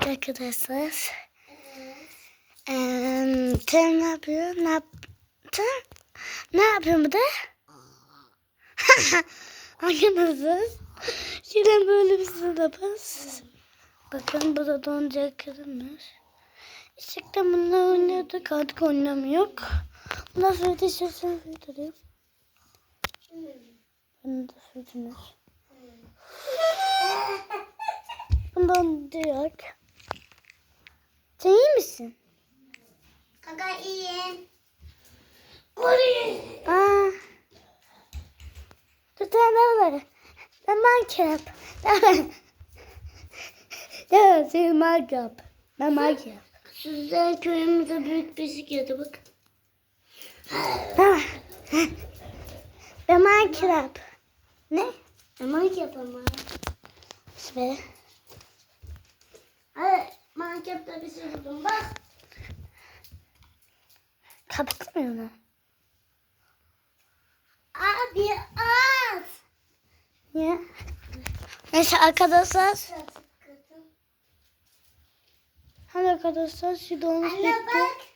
arkadaşlar. Sen ne yapıyor? Ne yaptın? Ne yapıyor bu da? Arkadaşlar. Şimdi böyle bir sınıfız. Bakın burada donacak kırılmış. Gerçekten bununla oynuyorduk. Artık oynamıyor. Bundan sonra da istiyorsan sürdüreyim. Bunu da sürdünüz. Bundan diyor. Sen iyi misin? Kaka iyiyim. Aa. Tutanlar. Ben Minecraft. Evet, sen Minecraft. Ben Minecraft. Sizden köyümüzde büyük bisikleti bak. Tamam. Ben Minecraft. Ne? Minecraft ama. Süper. Hadi Minecraft'ta bir şey buldum bak. Kapatmıyor mu? Abi az. Niye? Neyse arkadaşlar. Hadi arkadaşlar şu dolmuş Anne bitti. bak.